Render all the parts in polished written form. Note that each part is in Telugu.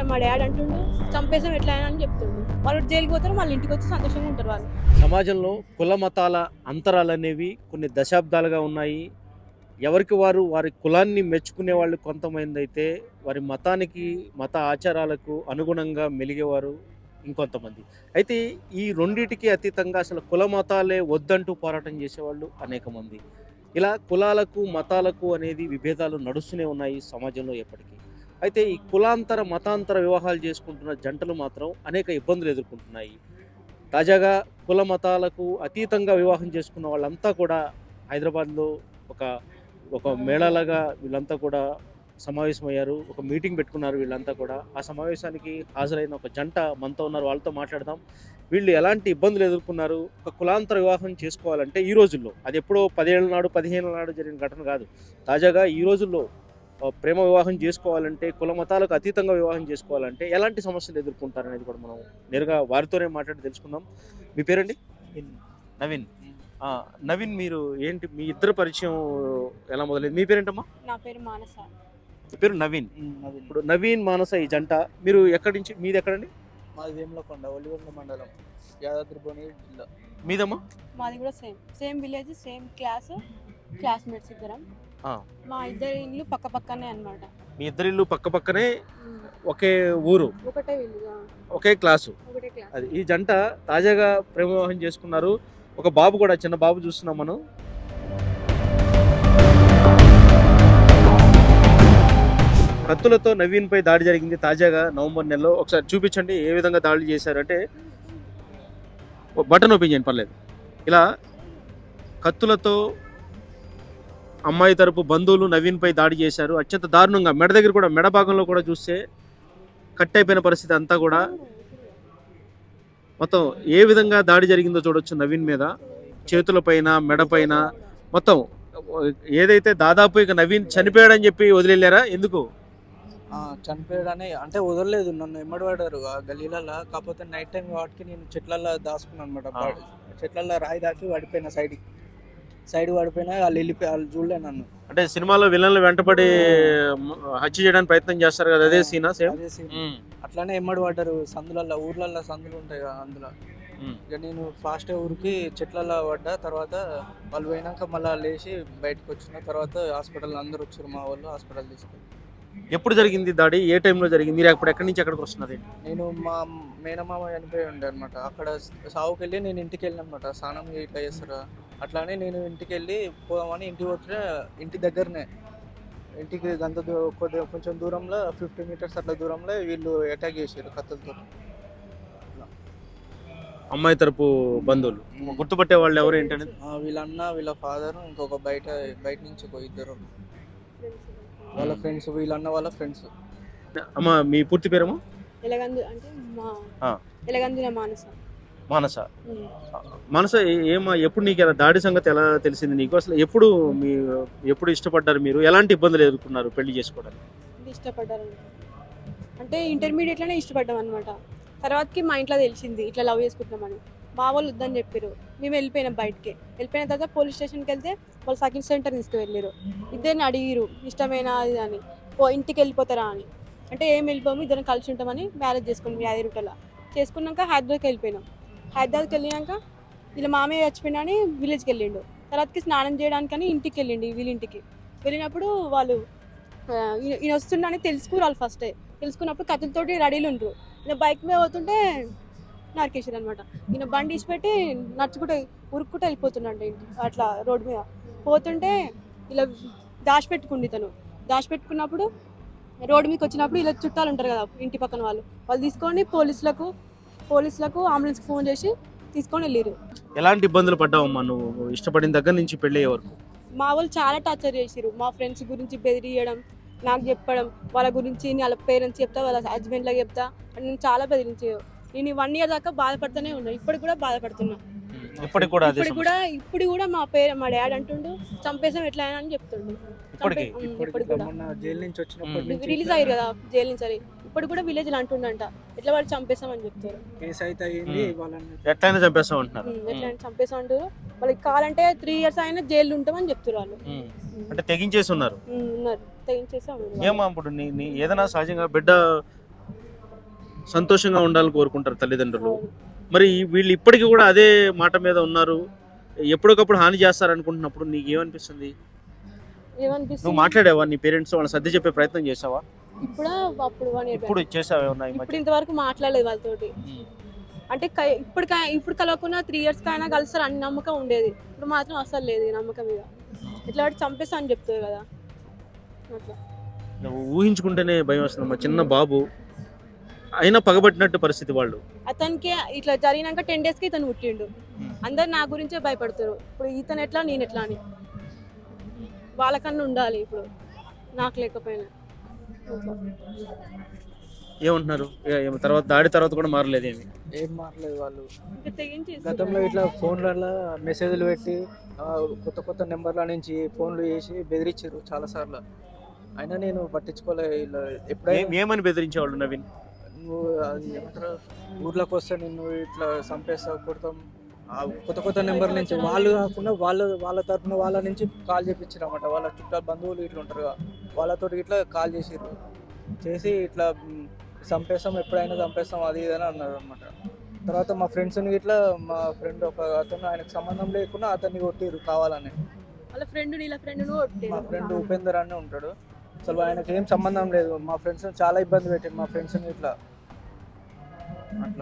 మా డాడీ అంటుండు చంపేసాం ఎట్లా అని చెప్తుండు. వాళ్ళు జైలుకి పోతారు, మళ్ళీ ఇంటికి వచ్చి సంతోషంగా ఉంటారు వాళ్ళు. సమాజంలో కుల మతాల అంతరాలు అనేవి కొన్ని దశాబ్దాలుగా ఉన్నాయి. ఎవరికి వారు వారి కులాన్ని మెచ్చుకునే వాళ్ళు కొంతమంది అయితే వారి మతానికి మత ఆచారాలకు అనుగుణంగా మెలిగేవారు ఇంకొంతమంది. అయితే ఈ రెండిటికి అతీతంగా అసలు కుల మతాలే వద్దంటూ పోరాటం చేసేవాళ్ళు అనేక మంది. ఇలా కులాలకు మతాలకు అనేది విభేదాలు నడుస్తూనే ఉన్నాయి సమాజంలో ఎప్పటికీ. అయితే ఈ కులాంతర మతాంతర వివాహాలు చేసుకుంటున్న జంటలు మాత్రం అనేక ఇబ్బందులు ఎదుర్కొంటున్నాయి. తాజాగా కుల మతాలకు అతీతంగా వివాహం చేసుకున్న వాళ్ళంతా కూడా హైదరాబాద్లో ఒక ఒక మేళాలాగా వీళ్ళంతా కూడా సమావేశమయ్యారు. ఒక మీటింగ్ పెట్టుకున్నారు వీళ్ళంతా కూడా. ఆ సమావేశానికి హాజరైన ఒక జంట మనతో ఉన్నారు. వాళ్ళతో మాట్లాడదాం. వీళ్ళు ఎలాంటి ఇబ్బందులు ఎదుర్కొన్నారు, ఒక కులాంతర వివాహం చేసుకోవాలంటే ఈ రోజుల్లో, అది ఎప్పుడో 10 ఏళ్ళ నాడు 15 ఏళ్ళ నాడు జరిగిన ఘటన కాదు. తాజాగా ఈ రోజుల్లో ప్రేమ వివాహం చేసుకోవాలంటే, కుల మతాలకు అతీతంగా వివాహం చేసుకోవాలంటే ఎలాంటి సమస్యలు ఎదుర్కొంటారనేది కూడా మనం నేరుగా వారితోనే మాట్లాడి తెలుసుకుందాం. మీ పేరండి? నవీన్. నవీన్, మీరు ఏంటి, మీ ఇద్దరు పరిచయం ఎలా మొదలైంది? మీ పేరేంటమ్మా? నా పేరు మానస. మీ పేరు నవీన్. ఇప్పుడు నవీన్ మానస ఈ జంట, మీరు ఎక్కడి నుంచి, మీది ఎక్కడండి? మాది వేములకొండ, ఒలిగొండ మండలం, యాదాద్రి భువనగిరి జిల్లా. మీదమ్మా? మాది కూడా సేమ్ విలేజ్, సేమ్ క్లాస్మేట్స్ ఇద్దరం. మా ఇద్దరి ఇల్లు పక్క పక్కనే అన్నమాట. మీ ఇద్దరి ఇల్లు పక్క పక్కనే, ఒకే ఊరు, ఒకటే ఇల్లు, ఒకే క్లాసు. ఒకటే క్లాస్. అది ఈ జంట తాజాగా ప్రేమ వివాహం చేసుకున్నారు. ఒక బాబు కూడా, చిన్న బాబు చూస్తున్నాం మనం. కత్తులతో నవీన్ పై దాడి జరిగింది తాజాగా నవంబర్ నెలలో. ఒకసారి చూపించండి ఏ విధంగా దాడి చేశారంటే. బటన్ ఓపెన్ చేయండి, పర్లేదు. ఇలా కత్తులతో అమ్మాయి తరపు బంధువులు నవీన్ పై దాడి చేశారు. అత్యంత దారుణంగా మెడ దగ్గర కూడా, మెడ భాగంలో కూడా చూస్తే కట్ అయిపోయిన పరిస్థితి అంతా కూడా. మొత్తం ఏ విధంగా దాడి జరిగిందో చూడొచ్చు నవీన్ మీద, చేతులపైన, మెడపైన మొత్తం. ఏదైతే దాదాపు ఇక నవీన్ చనిపోయాడని చెప్పి వదిలేళ్ళారా? ఎందుకు చనిపోయాడని అంటే వదలలేదు, నన్ను ఎమ్మడి పడ్డారు ఆ గలీలలో. కాకపోతే నైట్ టైం వాటికి నేను చెట్లల్లో దాచుకున్నాను అనమాట. చెట్లల్లో రాయి దాకి పడిపోయినా, సైడ్ పడిపోయినా. వాళ్ళు వెళ్ళిపోయి, వాళ్ళు చూడలే నన్ను. అంటే సినిమాలో విలన్లు వెంటపడి హత్య చేయడానికి ప్రయత్నం చేస్తారు కదా, అదే సీనా? సేమ్ అదే సీన్. అట్లానే ఎమ్మడి పడ్డారు సందులల్లో, ఊర్లల్లో సందులు ఉంటాయి కదా, అందులో. ఇక నేను ఫాస్ట్ ఊరికి చెట్లలో పడ్డా. తర్వాత వాళ్ళు పోయినాక మళ్ళీ లేచి బయటకు వచ్చిన తర్వాత హాస్పిటల్ అందరు వచ్చారు, మా వాళ్ళు హాస్పిటల్ తీసుకెళ్ళి. ఎప్పుడు జరిగింది దాడి, ఏ టైంలో జరిగింది, మీరు అప్పుడు ఎక్కడి నుంచి ఎక్కడికి వస్తున్నారు? నేను మా మేనమామ చనిపోయి ఉండే అనమాట. అక్కడ సావుకి వెళ్ళి నేను ఇంటికి వెళ్ళిన అనమాట. స్నానం ఇట్లా చేస్తారు. అట్లానే నేను ఇంటికి వెళ్ళి పోదామని ఇంటికి పోతే, ఇంటి దగ్గరనే, ఇంటికి గంత కొద్దిగా కొంచెం దూరంలో 50 మీటర్స్ అట్లా దూరంలో వీళ్ళు అటాక్ చేశారు కత్తులతో. అమ్మాయి తరపు బంధువులు గుర్తుపట్టే వాళ్ళు ఎవరు ఏంటనేది? వీళ్ళ అన్న, వీళ్ళ ఫాదర్, ఇంకొక బయట నుంచి ఒక ఇద్దరు వాళ్ళ ఫ్రెండ్స్, వీళ్ళ అన్న వాళ్ళ ఫ్రెండ్స్. అమ్మా, మీ పూర్తి పేరేమో? ఎలగందు అంటే ఎలగందుల మానస. మానస. మానస, ఏమా, ఎప్పుడు నీకు ఎలా దాడి సంగతి ఎలా తెలిసింది నీకు? అసలు ఎప్పుడు ఇష్టపడ్డారు మీరు? ఎలాంటి ఇబ్బందులు ఎదుర్కొన్నారు పెళ్లి చేసుకోవడానికి? ఇష్టపడ్డారు అంటే ఇంటర్మీడియట్లోనే ఇష్టపడ్డాం అనమాట. తర్వాతకి మా ఇంట్లో తెలిసింది ఇట్లా లవ్ చేసుకుంటున్నామని. మా వాళ్ళు వద్దని చెప్పారు. మేము వెళ్ళిపోయినాం బయటికి. వెళ్ళిపోయిన తర్వాత పోలీస్ స్టేషన్కి వెళ్తే వాళ్ళు సెకండ్ సెంటర్ తీసుకువెళ్ళారు. ఇద్దరిని అడిగిరు ఇష్టమేనా అది అని, ఇంటికి వెళ్ళిపోతారా అని. అంటే ఏం వెళ్ళిపోము, ఇద్దరం కలిసి ఉంటామని మ్యారేజ్ చేసుకున్నాం యాదగిరిగుట్టలో. చేసుకున్నాక హైదరాబాద్కి వెళ్ళిపోయినాం. హైదరాబాద్కి వెళ్ళినాక వీళ్ళ మామయ్య చచ్చిపోయినా అని విలేజ్కి వెళ్ళిండు. తర్వాతకి స్నానం చేయడానికని ఇంటికి వెళ్ళిండు, వీళ్ళింటికి. వెళ్ళినప్పుడు వాళ్ళు ఈయన వస్తుండని తెలుసుకున్నారు ఫస్టే. తెలుసుకున్నప్పుడు కత్తులతోటి రెడీలు ఉండరు. ఈయన బైక్ మీద పోతుంటే నరికేసారు అనమాట. ఈయన బండి ఇచ్చిపెట్టి నడుచుకుంటే ఉరుక్కుంటే వెళ్ళిపోతున్నాడు అట్లా రోడ్డు మీద పోతుంటే. ఇలా దాచిపెట్టుకుంది తను. దాచిపెట్టుకున్నప్పుడు రోడ్డు మీదకి వచ్చినప్పుడు ఇలా చుట్టాలు ఉంటారు కదా ఇంటి పక్కన వాళ్ళు తీసుకొని పోలీసులకు అంబులెన్స్కి ఫోన్ చేసి తీసుకొని వెళ్ళారు. ఎలాంటి ఇబ్బందులు పడ్డావమ్మా నువ్వు ఇష్టపడిన దగ్గర నుంచి పెళ్ళి అయ్యే వరకు? మా వాళ్ళు చాలా టార్చర్ చేసారు. మా ఫ్రెండ్స్ గురించి బెదిరియడం, నాకు చెప్పడం, వాళ్ళ గురించి వాళ్ళ పేరెంట్స్ చెప్తా, వాళ్ళ హస్బెండ్లకు చెప్తా అని నేను చాలా బెదిరించారు. నేను 1 ఇయర్ దాకా బాధపడుతూనే ఉన్నా. ఇప్పుడు కూడా బాధపడుతున్నా. ఇప్పుడు కూడా మా డాడీ అంటుండు చంపేసాం ఎట్లా అని చెప్తుండు. జైలు నుంచి వచ్చినప్పుడు రిలీజ్ అయ్యారు కదా జైలు నుంచి. ఇప్పుడు కూడా విలేజ్ అంటుండంట ఎట్లా వాడు చంపేసాం అని చెప్తారు. కేసు అయితే అయ్యింది, ఎట్లయినా చంపేస్తాం అంటున్నారు. ఎట్లా చంపేసాం అంటారు. వాళ్ళకి కావాలంటే 3 ఇయర్స్ అయినా జైలు ఉంటామని చెప్తారు వాళ్ళు. అంటే తెగించేసి ఉన్నారు. తెగించేసి ఏమా ఇప్పుడు ఏదైనా సహజంగా బిడ్డ సంతోషంగా ఉండాలని కోరుకుంటారు తల్లిదండ్రులు. మరి వీళ్ళు ఇప్పటికీ కూడా అదే మాట మీద ఉన్నారు. ఎప్పటికప్పుడు హాని చేస్తారనుకుంటున్నప్పుడు నీకు ఏమనిపిస్తుంది? నువ్వు ఏమనిపిస్తుంది మాట్లాడావా నీ పేరెంట్స్ వాళ్ళని సర్ది చెప్పే ప్రయత్నం చేసావా? ఇప్పుడు అప్పుడు 1 year ఇప్పుడు చేసావా ఏమన్నా ఈ ఇప్పుడు మధ్య? ఇంతవరకు మాట్లాడలేదు వాళ్ళతోటి. ఉమ్. అంటే ఇప్పుడు కలవకుండా 3 years కైనా కలుస్తారు అని నమ్మకం ఉండేది. ఇప్పుడు మాత్రం అసలు లేదు ఈ నమ్మకం మీద. ఇట్లా వాటి చంపేస్తా అని చెప్తుంది కదా అట్లా. నువ్వు ఊహించుకుంటేనే భయం వస్తుంది. మా చిన్న బాబు అయినా పగబట్టినట్టు పరిస్థితి వాళ్ళు. అతనికి ఇట్లా జరిగినాక 10 days కి ఇతను పుట్టిండు. అందరు నా గురించే భయపడతారు. ఇప్పుడు ఇతను ఎట్లా నేను ఎట్లా అని వాళ్ళకన్నా ఉండాలి ఇప్పుడు నాకు లేకపోయినా. ఏమంటున్నారు? తర్వాత దాడి తర్వాత కూడా మారలేదు ఏమి? ఏం మారలేదు వాళ్ళు. ఇంకా తెగించి గతంలో ఇట్లా ఫోన్లలో మెసేజ్లు పెట్టి కొత్త కొత్త నెంబర్ల నుంచి ఫోన్లు చేసి బెదిరించారు చాలాసార్లు. అయినా నేను పట్టించుకోలే. ఇలా ఎప్పుడైనా ఏమని బెదిరించేవాళ్ళు నవీన్? నువ్వు అది ఏమంటారు ఊర్లోకి వస్తే నిన్ను ఇట్లా చంపేస్తావు కొడతాం. కొత్త కొత్త నెంబర్ నుంచి వాళ్ళు కాకుండా వాళ్ళ తరఫున వాళ్ళ నుంచి కాల్ చేపించారు అన్నమాట. వాళ్ళ చుట్టాలు బంధువులు ఇట్లా ఉంటారు కదా, వాళ్ళతో ఇట్లా కాల్ చేసిర్రు. చేసి ఇట్లా చంపేస్తాం, ఎప్పుడైనా చంపేస్తాం అది ఇది అని అన్నారు అనమాట. తర్వాత మా ఫ్రెండ్స్ని ఇట్లా మా ఫ్రెండ్ ఒక అతను ఆయనకు సంబంధం లేకుండా అతన్ని కొట్టిర్రు కావాలని. వాళ్ళ ఫ్రెండ్ నీళ్ళ ఫ్రెండ్ మా ఫ్రెండ్ ఉపేందర్ అని ఉంటాడు. అసలు ఆయనకి ఏం సంబంధం లేదు. మా ఫ్రెండ్స్ని చాలా ఇబ్బంది పెట్టారు మా ఫ్రెండ్స్ని ఇట్లా అట్లా.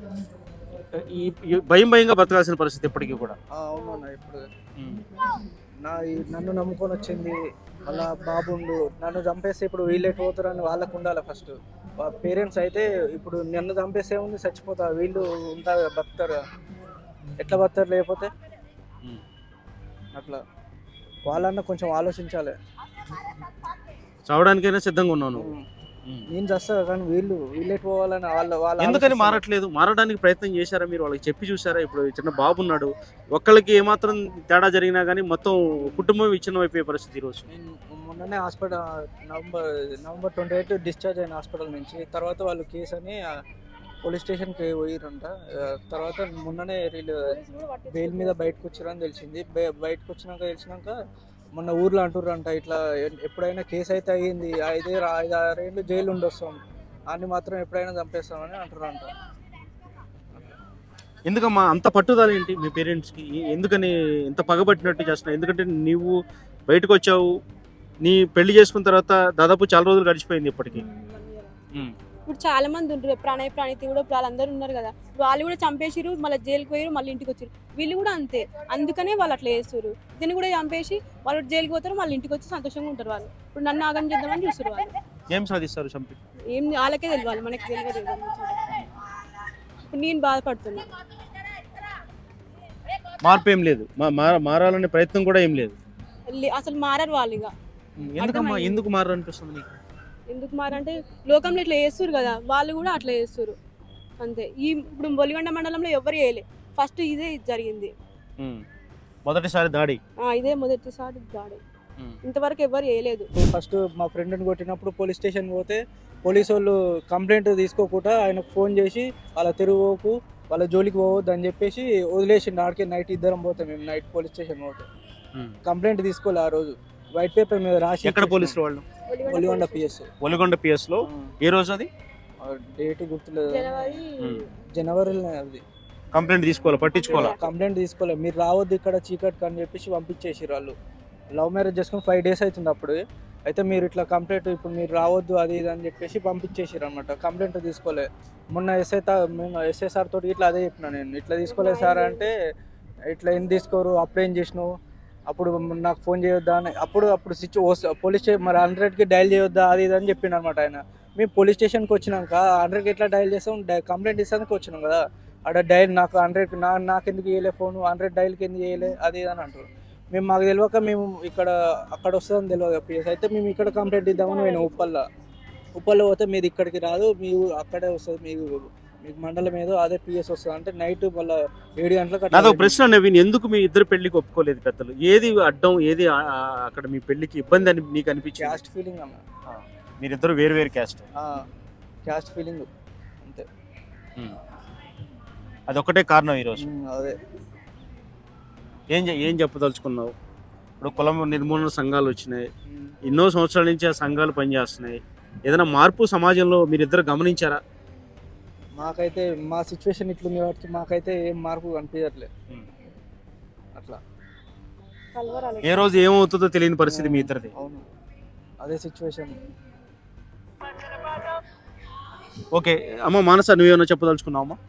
ఈ భయంగా బతకాల్సిన పరిస్థితి ఇప్పటికీ కూడా. అవునన్నా ఇప్పుడు నన్ను నమ్ముకొని వచ్చింది మళ్ళా బాబుండు, నన్ను చంపేస్తే ఇప్పుడు వీళ్ళు ఎటు పోతారని వాళ్ళకు ఉండాలి ఫస్ట్. పేరెంట్స్ అయితే ఇప్పుడు నన్ను చంపేస్తే ఉంది చచ్చిపోతారు, వీళ్ళు ఉంటారు బతుకుతారు, ఎట్లా బతుకుతారు లేకపోతే అట్లా. వాళ్ళన్నా కొంచెం ఆలోచించాలి. చావడానికైనా సిద్ధంగా ఉన్నావు నువ్వు. నేను చేస్తా కానీ వీళ్ళు ఎటు పోవాలని వాళ్ళ ఎందుకని మారట్లేదు? మారడానికి ప్రయత్నం చేశారా మీరు? వాళ్ళకి చెప్పి చూసారా? ఇప్పుడు చిన్న బాబు ఉన్నాడు, ఒక్కళ్ళకి ఏమాత్రం తేడా జరిగినా కానీ మొత్తం కుటుంబం విచ్ఛిన్నం అయిపోయే పరిస్థితి ఈరోజు. నేను మొన్ననే హాస్పిటల్ నవంబర్ 28 డిశ్చార్జ్ అయిన హాస్పిటల్ నుంచి. తర్వాత వాళ్ళు కేసు అని పోలీస్ స్టేషన్కి పోయిరంట. తర్వాత మొన్ననే వీళ్ళు బెయిల్ మీద బయటకు వచ్చారని తెలిసింది. బయటకు తెలిసినాక మొన్న ఊర్లో అంటుర్రంట ఇట్లా ఎప్పుడైనా కేసు అయితే అయ్యింది 5-6 ఏళ్ళు జైలు ఉండొస్తాం, అన్ని మాత్రం ఎప్పుడైనా చంపేస్తామని అంటుర్రంట. ఎందుకమ్మా అంత పట్టుదల ఏంటి మీ పేరెంట్స్కి? ఎందుకని ఇంత పగబట్టినట్టు చేస్తున్నావు? ఎందుకంటే నువ్వు బయటకు వచ్చావు, నీ పెళ్లి చేసుకున్న తర్వాత దాదాపు చాలా రోజులు గడిచిపోయింది ఇప్పటికీ. ఇప్పుడు చాలా మంది ఉంటారు, ప్రణతి కూడా ఇప్పుడు వాళ్ళందరూ ఉన్నారు కదా, వాళ్ళు కూడా చంపేసిరు, మళ్ళీ జైలుకి పోయారు, మళ్ళీ ఇంటికి వచ్చారు. వీళ్ళు కూడా అంతే, అందుకనే వాళ్ళు అట్లా చేస్తారు. దీన్ని కూడా చంపేసి వాళ్ళు జైలుకి పోతారు, మళ్ళీ ఇంటికి వచ్చి సంతోషంగా ఉంటారు. వాళ్ళు ఇప్పుడు నన్ను ఆగం చేద్దామని చూస్తారు. వాళ్ళు ఏం సాధిస్తారు చంపి? ఏం వాళ్ళకే తెలియాలి, మనకి తెలియదు. ఇప్పుడు నేను బాధపడుతున్నా. మార్పు ఏం లేదు, మారాలనే ప్రయత్నం కూడా ఏం లేదు. అసలు మారారు వాళ్ళు. ఇక ఎందుకమ్మా ఎందుకు మారారు అనిపిస్తుంది నీకు? ఎందుకు మారంటే లోకంలో ఇట్లా చేస్తారు కదా, వాళ్ళు కూడా అట్లా చేస్తారు అంతే. ఇప్పుడు బొలిగొండ మండలంలో ఎవరు చేయలే, ఫస్ట్ ఇదే జరిగింది. మొదటిసారి దాడి ఇదే మొదటిసారి దాడి, ఇంతవరకు ఎవరు చేయలేదు. ఫస్ట్ మా ఫ్రెండ్ని కొట్టినప్పుడు పోలీస్ స్టేషన్ పోతే పోలీసు వాళ్ళు కంప్లైంట్ తీసుకోకుండా ఆయనకు ఫోన్ చేసి వాళ్ళ తిరుగుకు వాళ్ళ జోలికి పోవద్దు అని చెప్పేసి వదిలేసిండు. ఆడికి నైట్ ఇద్దరం పోతాం మేము, నైట్ పోలీస్ స్టేషన్ పోతే కంప్లైంట్ తీసుకోలే. ఆ రోజు వైట్ పేపర్ మీద రాసి. ఎక్కడ పోలీసులు వాళ్ళు? ఒలిగొండ పిఎస్ లో. ఏ రోజు అది? డేట్ గుర్తులేదు, జనవరిలో. అది కంప్లైంట్ తీసుకోవాలి, మీరు రావద్దు ఇక్కడ చీకట్ అని చెప్పేసి పంపించేసారు. వాళ్ళు లవ్ మ్యారేజ్ చేసుకుని 5 days అవుతుంది అప్పుడు. అయితే మీరు ఇట్లా కంప్లైంట్ ఇప్పుడు మీరు రావద్దు అది ఇది అని చెప్పేసి పంపించేసారు అనమాట. కంప్లైంట్ తీసుకోలే. మొన్న ఎస్ఐ సార్ తోటి ఇట్లా అదే చెప్పిన నేను, ఇట్లా తీసుకోలేదు సార్ అంటే, ఇట్లా ఏం తీసుకోరు, అప్పుడేం చేసినావు, అప్పుడు నాకు ఫోన్ చేయొద్దా అని. అప్పుడు పోలీస్ స్టేషన్ మరి 100కి డైల్ చేయొద్దా అది ఇది అని చెప్పిండు అనమాట ఆయన. మేము పోలీస్ స్టేషన్కి వచ్చినాక 100కి ఎట్లా డైల్ చేస్తాం, కంప్లైంట్ ఇస్తానికి వచ్చినాం కదా, అక్కడ డైల్ నాకు 100 నాకు ఎందుకు చేయలే ఫోన్, 100 డైల్కి ఎందుకు చేయలే అది ఇది అని అంటారు. మాకు తెలియక మేము అక్కడ వస్తుందని తెలియదు పిఎస్. అయితే మేము ఇక్కడ కంప్లైంట్ ఇద్దామని నేను ఉప్పల్లో పోతే మీది ఇక్కడికి రాదు, మీరు అక్కడే వస్తుంది, మీకు మండలం ఏదో అదే పిఎస్ వస్తుంది అంటే నైట్ మళ్ళీ 7 గంటలకు. నాదొక ప్రశ్న నవీన్, ఎందుకు మీ ఇద్దరు పెళ్లికి ఒప్పుకోలేదు పెద్దలు? ఏది అడ్డం, ఏది అక్కడ మీ పెళ్లికి ఇబ్బంది అని మీకు అనిపించింది? క్యాస్ట్ ఫీలింగ్ అన్న. మీరిద్దరు వేరు క్యాస్ట్ ఫీలింగ్ అంతే, అదొక్కటే కారణం ఈరోజు. అదే. ఏం చెప్పదలుచుకున్నావు? ఇప్పుడు కులం నిర్మూలన సంఘాలు వచ్చినాయి, ఎన్నో సంవత్సరాల నుంచి ఆ సంఘాలు పనిచేస్తున్నాయి. ఏదైనా మార్పు సమాజంలో మీరిద్దరు గమనించారా? మాకైతే మా సిచ్యువేషన్ ఇట్లుంది కాబట్టి మాకైతే ఏం మార్పు కనిపించట్లేదు అట్లా. కలవరాలి. ఏ రోజు ఏమవుతుందో తెలియని పరిస్థితి మీ ఇద్దరిది. అవును, అదే సిచ్యువేషన్. ఓకే అమ్మ మానస, నువ్వేమన్నా చెప్పదలుచుకున్నావు అమ్మా?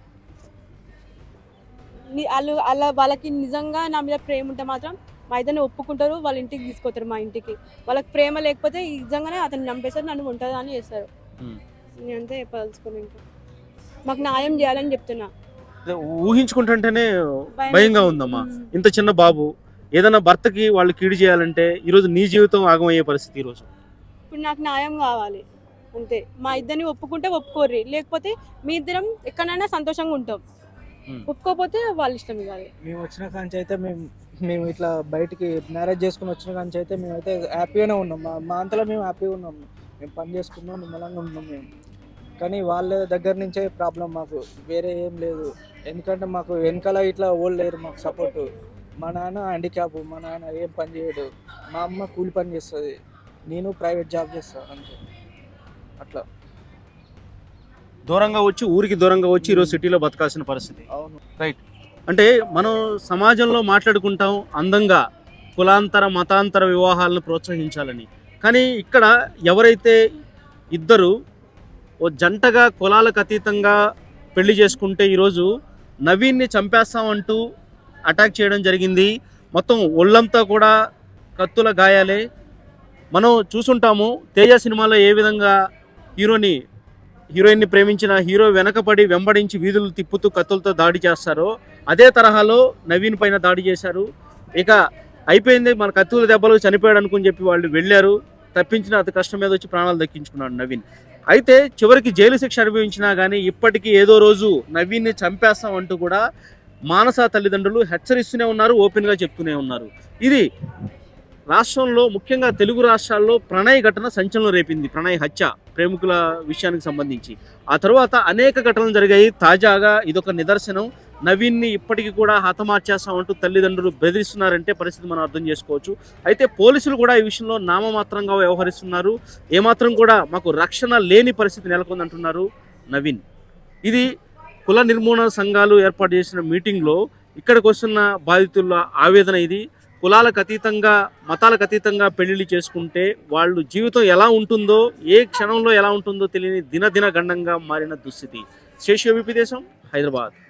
వాళ్ళకి నిజంగా నా మీద ప్రేమ ఉంటే మాత్రం మా ఇద్దరిని ఒప్పుకుంటారు, వాళ్ళ ఇంటికి తీసుకొస్తారు. మా ఇంటికి వాళ్ళకి ప్రేమ లేకపోతే నిజంగానే అతను చంపేస్తారు, నన్ను ఉంటుందా అని చేస్తారు. నేను అంతే చెప్పదలుచుకుని ఇంకా మాకు న్యాయం చేయాలని చెప్తున్నా. ఊహించుకుంటుంటేనే భయంగా ఉందమ్మా. ఇంత చిన్న బాబు, ఏదైనా భర్తకి వాళ్ళు కీడు చేయాలంటే ఈరోజు నీ జీవితం ఆగమయ్యే పరిస్థితి. ఈరోజు ఇప్పుడు నాకు న్యాయం కావాలి అంతే. మా ఇద్దరిని ఒప్పుకుంటే ఒప్పుకోర్రి, లేకపోతే మీ ఇద్దరం ఎక్కడైనా సంతోషంగా ఉంటాం. ఒప్పుకోకపోతే వాళ్ళ ఇష్టం కాదు. మేము వచ్చిన కాంచి అయితే మేము ఇట్లా బయటికి మ్యారేజ్ చేసుకుని వచ్చిన కాంచి అయితే మేమైతే హ్యాపీగానే ఉన్నాం. మా అంతలో మేము హ్యాపీగా ఉన్నాం. మేము పని చేసుకున్నాం, నిమ్మలంగా ఉన్నాం మేము. కానీ వాళ్ళ దగ్గర నుంచే ప్రాబ్లం, మాకు వేరే ఏం లేదు. ఎందుకంటే మాకు వెనకాల ఇట్లా ఓల్డ్ లేరు మాకు సపోర్టు. మా నాన్న హ్యాండిక్యాప్, మా నాన్న ఏం పని చేయడు, మా అమ్మ కూలి పని చేస్తుంది, నేను ప్రైవేట్ జాబ్ చేస్తాను అంతే. అట్లా దూరంగా వచ్చి, ఊరికి దూరంగా వచ్చి ఈరోజు సిటీలో బతకాల్సిన పరిస్థితి. అవును. రైట్. అంటే మనం సమాజంలో మాట్లాడుకుంటాం అందంగా కులాంతర మతాంతర వివాహాలను ప్రోత్సహించాలని. కానీ ఇక్కడ ఎవరైతే ఇద్దరు ఓ జంటగా కులాలకు అతీతంగా పెళ్లి చేసుకుంటే ఈరోజు నవీన్ని చంపేస్తామంటూ అటాక్ చేయడం జరిగింది. మొత్తం ఒళ్ళంతా కూడా కత్తుల గాయాలే. మనం చూసుంటాము తేజ సినిమాలో ఏ విధంగా హీరోయిన్ని ప్రేమించిన హీరో వెనకపడి వెంబడించి వీధులు తిప్పుతూ కత్తులతో దాడి చేస్తారో అదే తరహాలో నవీన్ పైన దాడి చేశారు. ఇక అయిపోయింది, మన కత్తుల దెబ్బలు చనిపోయాడు అనుకుని చెప్పి వాళ్ళు వెళ్ళారు. తప్పించిన అతి కష్టం మీద వచ్చి ప్రాణాలు దక్కించుకున్నాడు నవీన్. అయితే చివరికి జైలు శిక్ష అనుభవించినా కానీ ఇప్పటికీ ఏదో రోజు నవీన్ని చంపేస్తామంటూ కూడా మానస తల్లిదండ్రులు హెచ్చరిస్తూనే ఉన్నారు, ఓపెన్గా చెప్తూనే ఉన్నారు. ఇది రాష్ట్రంలో ముఖ్యంగా తెలుగు రాష్ట్రాల్లో ప్రణయ్ ఘటన సంచలనం రేపింది. ప్రణయ్ హత్య, ప్రేమికుల విషయానికి సంబంధించి ఆ తర్వాత అనేక ఘటనలు జరిగాయి. తాజాగా ఇదొక నిదర్శనం. నవీన్ని ఇప్పటికీ కూడా హతమార్చేస్తామంటూ తల్లిదండ్రులు బెదిరిస్తున్నారంటే పరిస్థితి మనం అర్థం చేసుకోవచ్చు. అయితే పోలీసులు కూడా ఈ విషయంలో నామమాత్రంగా వ్యవహరిస్తున్నారు. ఏమాత్రం కూడా మాకు రక్షణ లేని పరిస్థితి నెలకొందంటున్నారు నవీన్. ఇది కుల నిర్మూలన సంఘాలు ఏర్పాటు చేసిన మీటింగ్లో ఇక్కడికి వస్తున్న బాధితుల ఆవేదన ఇది. కులాలకు అతీతంగా మతాలకు అతీతంగా పెళ్లిళ్ళు చేసుకుంటే వాళ్ళు జీవితం ఎలా ఉంటుందో, ఏ క్షణంలో ఎలా ఉంటుందో తెలియని దినదిన గండంగా మారిన దుస్థితి. శేషు విపి దేశం, హైదరాబాద్.